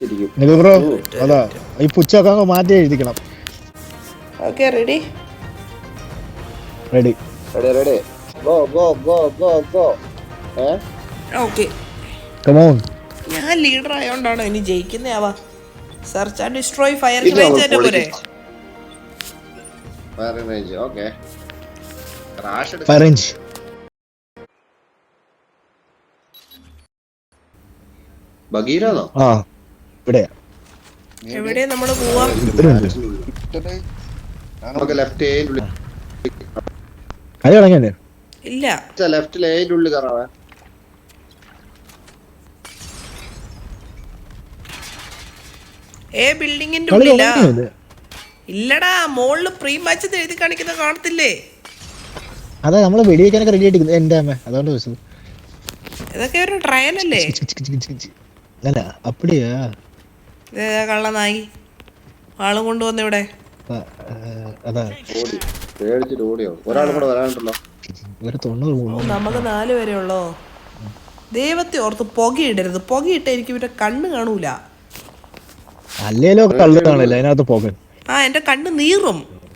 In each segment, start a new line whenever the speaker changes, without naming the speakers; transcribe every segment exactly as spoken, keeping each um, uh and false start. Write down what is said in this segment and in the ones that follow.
Bro അതാ ഈ പുച്ചൊക്കെ അങ്ങ് മാറ്റി എഴുതിക്കണം.
Okay ready
ready
ready ready go go go go go ഏ
ഓക്കെ.
Come on.
ഞാൻ ലീഡർ ആയതുകൊണ്ടാണോ ഇനി ജയിക്കുന്നയാവാ? സെർച്ച് ആൻഡ് ഡിസ്ട്രോയ് ഫയർ
ഇല്ല,
റേഞ്ച്
നമ്മൾ
തന്നെ പോരെ?
Fire range okay. ക്രാഷ് എടുക്കാം.
ഫയർ റേഞ്ച്
ബഗീരാണോ?
ആ ഇവിടെ
എവിടെ നമ്മള് പോവാ?
നമുക്ക് ലെഫ്റ്റ് ഏന്റെ ഉള്ളിൽ
അത് തുടങ്ങിയല്ലേ?
ഇല്ല
ലെഫ്റ്റിൽ ഏന്റെ ഉള്ളിൽ കയറാവേ.
ഏ ബിൽഡിങ്ങിന്റെ
കളി
ഉള്ളിലാ?
തുടങ്ങിയത്
ഇല്ലടാ, മോളില് പ്രീ മാച്ച് എഴുതി കാണിക്കുന്ന കാണത്തില്ലേ?
അതാ നമ്മള് വെടിവെക്കാനൊക്കെ റെഡി ആയിട്ട് എന്റെ അമ്മ അതുകൊണ്ട് ചോദിച്ചത്.
ഇതൊക്കെ ഒരു ട്രയൽ അല്ലേ?
അല്ല അപ്പടിയാ
കള്ളനായി ആളും കൊണ്ടുവന്ന ഇവിടെ.
അതാ
ഓടി പേടിച്ചിട്ട് ഓടിയോ. ഒരാളും കൂടെ വരാനുണ്ടല്ലോ.
ഒരു തൊണ്ണൂറ്
ഓ, നമുക്ക് നാല് വരെ ഉള്ളോ? ദൈവത്തെ ഓർത്ത് പുകയിടരുത്. പുകയിട്ട എനിക്ക് പിന്നെ കണ്ണ് കാണൂല.
അല്ലേലോ കള്ളു കാണില്ല അതിനകത്ത് പോകൻ.
ആ എന്റെ കണ്ണ് നീറും.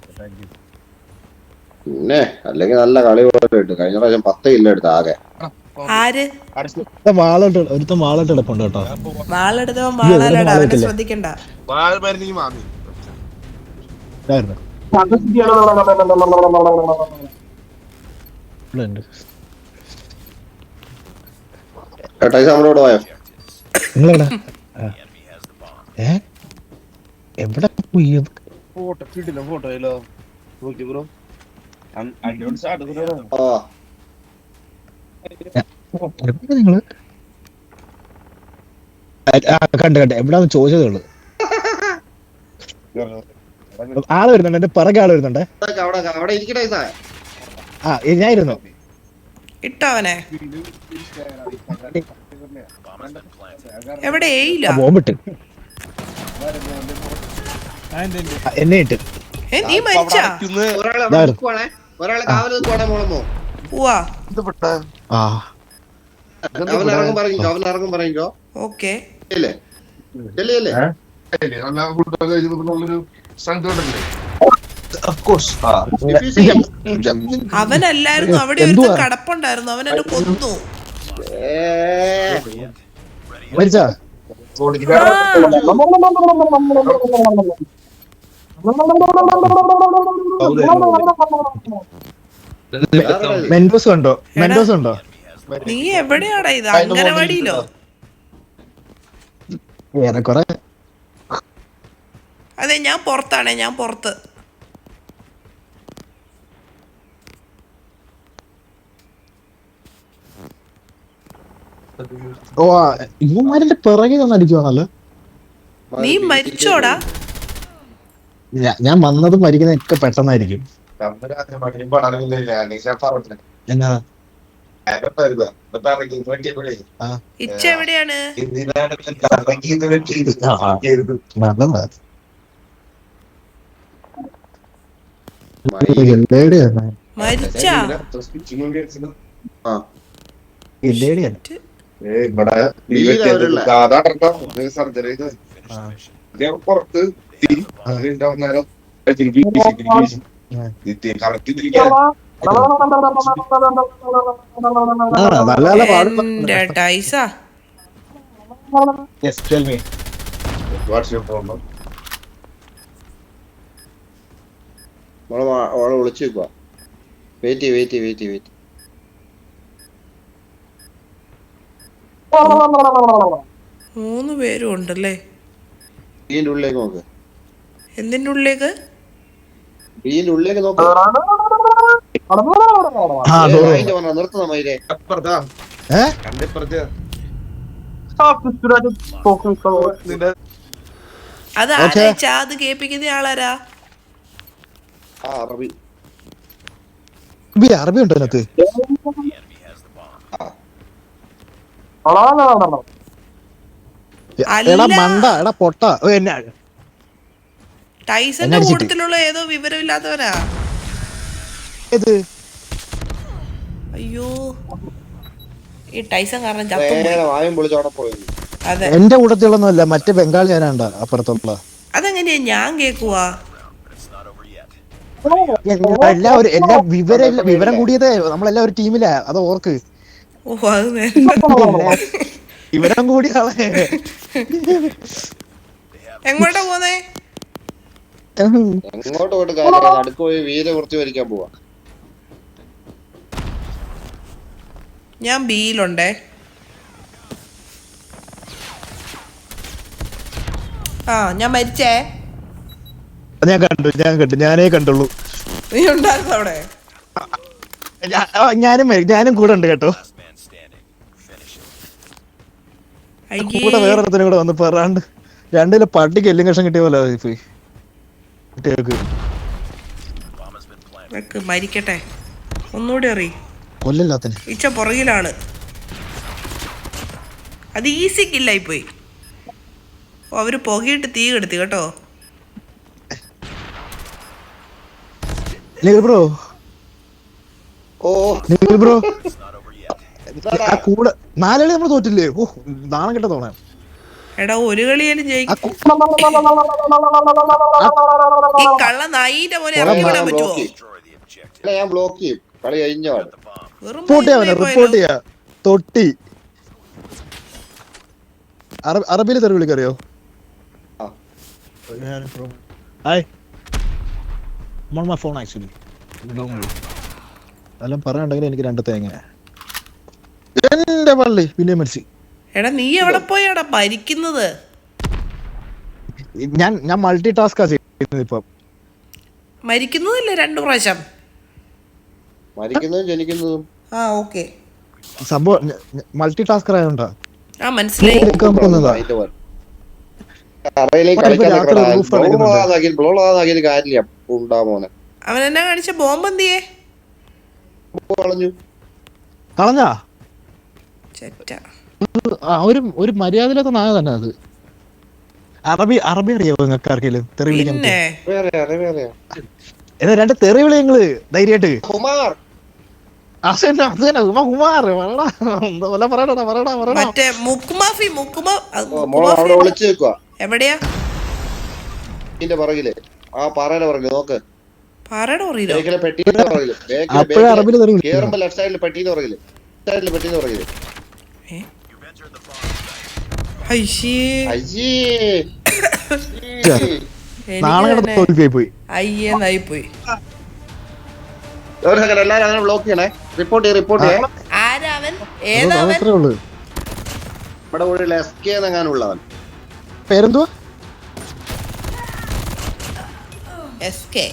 പിന്നെ അല്ലെങ്കിൽ നല്ല കളി പോലെ കിട്ടും. കഴിഞ്ഞ പ്രാവശ്യം പത്ത് കില്ല എടുത്ത ആകെ.
ആര്
വാളോട്ട് ഒരുത്തം വാളോട്ട് എടുപ്പുണ്ട് കേട്ടോ.
വാളെടുത്തവൻ വാളാലടാ, അവനെ ശ്രദ്ധിക്കണ്ട.
നമ്മളോട് പോയോ?
നിങ്ങളെവിടെ? ഏ എവിടെ പോയി? നിങ്ങള് കണ്ട് കണ്ട് എവിടാന്ന് ചോദിച്ചതേ ഉള്ളു. ആള് വരുന്നുണ്ട്, എന്റെ പിറകെ ആള് വരുന്നുണ്ട്. ആ ഞാൻ ഇരുന്നു.
ഇട്ടവനെ എവിടെ? ഏയില്ല
ബോംബിട്ട് എന്നെ ഇട്ട്.
ഏ നീ മരിച്ചാ?
ഒരാളെ കാവൽ നിൽക്കുവാണെ മോളമോ.
പോവാ.
ആ
അവൻ ഇറങ്ങും പറഞ്ഞോ. അവൻ ഇറങ്ങും പറഞ്ഞോ.
ഓക്കെ
ഇല്ലേ ചെല്ലിയല്ലേ?
അവനല്ലായിരുന്നു, അവിടെ ഒരു കടപ്പുണ്ടായിരുന്നു, അവൻ എന്നെ കൊന്നു.
മരിച്ചാ? മെൻഡോസ് ഉണ്ടോ? മെൻഡോസ് ഉണ്ടോ?
നീ എവിടെയാടാ? ഇത് അംഗനവാടിയിലോ?
ഏറെക്കുറെ.
അതെ ഞാൻ പുറത്താണേ, ഞാൻ പുറത്ത്.
ഓ ഇവന്മാരുടെ പിറകെ ഒന്ന് അടിക്കുവാണല്ലോ.
നീ മരിച്ചോടാ?
ഞാൻ വന്നതും മരിക്കുന്ന ഒക്കെ പെട്ടെന്നായിരിക്കും. എന്നാ
ഇച്ച എവിടെയാണ്? മരിച്ചാ? എന്റെ ടൈസാ.
ഓളെ വിളിച്ചു വെക്കുവാ. Wait wait wait wait.
മൂന്ന് പേരും ഉണ്ടല്ലേ?
ബീന്റെ ഉള്ളിലേക്ക് നോക്ക്.
എന്തിന്റെ ഉള്ളിലേക്ക്?
ബീന്റെ ഉള്ളിലേക്ക് നോക്ക്. നിർത്തുന്ന മയിലേ.
അത് ആരാ? അത് കേൾപ്പിക്കുന്ന ആളാരാ?
അറബി.
അറബി ഉണ്ടോ അതിനകത്ത്? എടാ മണ്ട, എടാ പൊട്ട.
ടൈസന്റെ കൂട്ടത്തിലുള്ള ഏതോ വിവരമില്ലാത്തവനാ. അയ്യോ, ഈ ടൈസൺ കാരണം ചത്തും
വായും പൊളിച്ചോടെ പോയി.
അതെ.
എന്റെ കൂട്ടത്തിലൊന്നും അല്ല, മറ്റേ ബംഗാളി ആരാണ്ട അപ്പുറത്തുള്ള.
അതെങ്ങനെയാ ഞാൻ കേക്കുവാ?
എല്ലാവരും എല്ലാ വിവരം വിവരം കൂടിയത് നമ്മളെല്ലാം ഒരു ടീമിലാ, അത് ഓർക്ക്.
ഓ അത് നേരെ.
വിവരം കൂടിയ ആളെ.
എങ്ങോട്ടാ പോന്നേ?
എങ്ങോട്ട് പോയിട്ട് കാര്യമില്ല, നടുക്ക് പോയി വീര കുറച്ച് വരിക്കാൻ പോവാ.
ഞാൻ ബിയിലുണ്ടേ. ആ ഞാൻ മരിച്ചേ.
ഞാൻ കണ്ടു ഞാൻ കണ്ടു ഞാനേ കണ്ടുള്ളൂ.
നീ ഉണ്ടായിരുന്നു അവിടെ?
ഞാനും ഞാനും കൂടെ ഉണ്ട് കേട്ടോ. കൂടെ വേറൊരുത്തനും കൂടെ വന്ന് പറയാണ്ട് രണ്ടിലെ പട്ടിക്ക് എല്ലും കഷം കിട്ടിയ പോലെ പോയി.
മരിക്കട്ടെ, ഒന്നുകൂടി അറിയി
കൊല്ലല്ലാത്തന്
ഇച്ച പുറകിലാണ്. അത് ഈസി കില്ലായി പോയി. ഓ അവര് പുകയിട്ട് തീ കെടുത്തി കേട്ടോ.
ബ്രോ
ഓ
ബ്രോ കൂടെ നാലുകളി നമ്മൾ തോറ്റില്ലേ? ഓ നാണം കെട്ട തോന്നാ.
എടാ ഒരു കളിയാലും ജയിക്കും. ഈ കള്ള നായിന്റെ മോനെ ഇറക്കി വിടാൻ പറ്റുമോ?
ഞാൻ ബ്ലോക്ക് ചെയ്യും, കളി കഴിഞ്ഞാണ്.
റിപ്പോർട്ട് ചെയ്യാ റിപ്പോർട്ട് ചെയ്യാ തൊട്ടി. അറബിയില് തെറി വിളിക്കറിയോ? ഫോൺ ആക്ച്വലി അതെല്ലാം പറയാണ്ടെങ്കിൽ എനിക്ക് രണ്ട് തേങ്ങ. എന്റെ പള്ളി പിന്നെ മരിച്ചു.
എടാ നീ എവിടെ പോയാടാ ഭരിക്കുന്നത്?
ഞാൻ ഞാൻ മൾട്ടി ടാസ്കാ ചെയ്യുന്നത് ഇപ്പം.
മരിക്കുന്നതല്ലേ രണ്ടു പ്രാവശ്യം?
മരിക്കുന്നതും ജനിക്കുന്നതും.
ആ ഓക്കെ,
സംഭവം മൾട്ടി ടാസ്കർ ആയതുകൊണ്ടാ.
ആ മനസ്സിലായി. അവൻ എന്നാ കാണിച്ച ബോംബ് എന്തിയേ?
കളഞ്ഞാ
ചെറ്റ.
ഒരു ഒരു മര്യാദയില്ലാത്ത നായ തന്നെ അത്. അറബി അറബി അറിയാവോ നിങ്ങൾക്ക് ആർക്കെങ്കിലും തെറി വിളിക്കാൻ? എന്നാ രണ്ട് തെറി വിളി നിങ്ങള് ധൈര്യമായിട്ട്.
മറ്റേ മുക്കുമാഫി മുക്കുമാ എവിടെയാ?
പറയില്ലേ ആ പാറയുടെ പറയില്ലേ നോക്ക്.
പാറയുടെ പറയില്ലോ?
കേറുമ്പോ ലെഫ്റ്റ് സൈഡിൽ പെട്ടീന്ന് പറയില്ലേ? സൈഡിൽ പെട്ടീന്ന് പറയില്ലേ?
അയ്യേന്നായി പോയി.
എല്ലാരും അങ്ങനെ ബ്ലോക്ക് ചെയ്യണേ. റിപ്പോർട്ട് ചെയ്യ റിപ്പോർട്ട് ചെയ്യേ.
ആരാവൻ? ഏതാവൻ?
നമ്മുടെ കൂടെ എസ് കെ എന്നെങ്ങാനുള്ളവൻ.
പേരെന്തുവാ?
S K.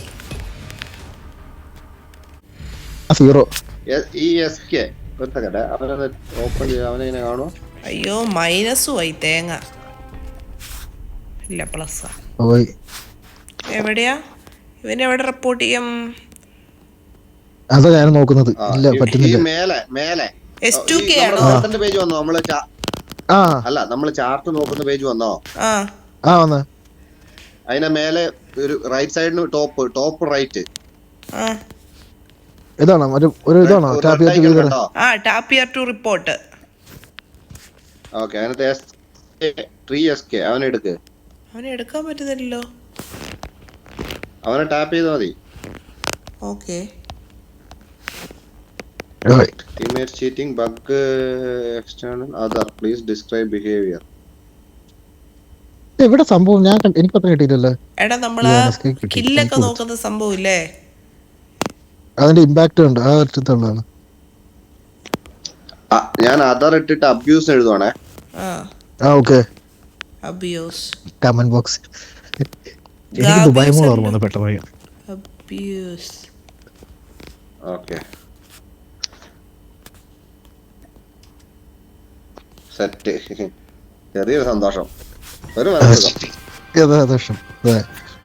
സീറോ.
ഈ എസ് കെ ഒറ്റക്കട്ടെ അവനെ ഓപ്പൺ ചെയ്ത് അവനെങ്ങനെ കാണുമോ?
അയ്യോ മൈനസും ആയി തേങ്ങ. ഇല്ല പ്ലസ്. എവിടെയാ ഇവൻ? എവിടെ റിപ്പോർട്ട് ചെയ്യാം?
അതാ ഞാൻ നോക്കുന്നത്. ഇല്ല പറ്റുന്നില്ല.
മേലെ മേലെ
എസ് ടു കെ ആണോ?
പേജ് വന്നോ? നമ്മള് അല്ല നമ്മള് ചാർട്ട് നോക്കുന്ന പേജ് വന്നോ?
ആ
വന്ന്
അതിന്റെ മേലെ ഒരു റൈറ്റ് സൈഡിന് ടോപ്പ് ടോപ്പ് റൈറ്റ്
ഇതാണോ? ഒരു ഇതാണോ?
ആ tap here to report.
Okay, അതിനകത്ത് എസ് ത്രീ എസ് കെ അവനെ എടുക്ക്.
അവനെ എടുക്കാൻ പറ്റുന്നില്ലല്ലോ.
അവനെ ടാപ്പ് ചെയ്താൽ മതി.
Okay.
Teammate cheating, bug, external, other. Please describe behavior.
എവിടെ സംഭവം? ഞാൻ എനിക്ക് പത്രം കിട്ടിയില്ലല്ലോ.
എടാ നമ്മള് കില്ലൊക്കെ നോക്കുന്ന സംഭവം ഇല്ലേ?
അതിന്റെ ഇമ്പാക്ട് ഉണ്ട്. ആ അർത്ഥത്തിലുള്ളതാണ്.
ഞാൻ അതർ ഇട്ടിട്ട് അബ്യൂസ് എഴുതുവാണേ.
ആ
ഓക്കെ.
Abuse
comment box. എനിക്ക് ദുബായ് മോൾ ഓർമ്മ വന്നു പെട്ടെന്ന്.
അബ്യൂസ്.
Okay set. ചെറിയൊരു സന്തോഷം. ഒരു
സന്തോഷം.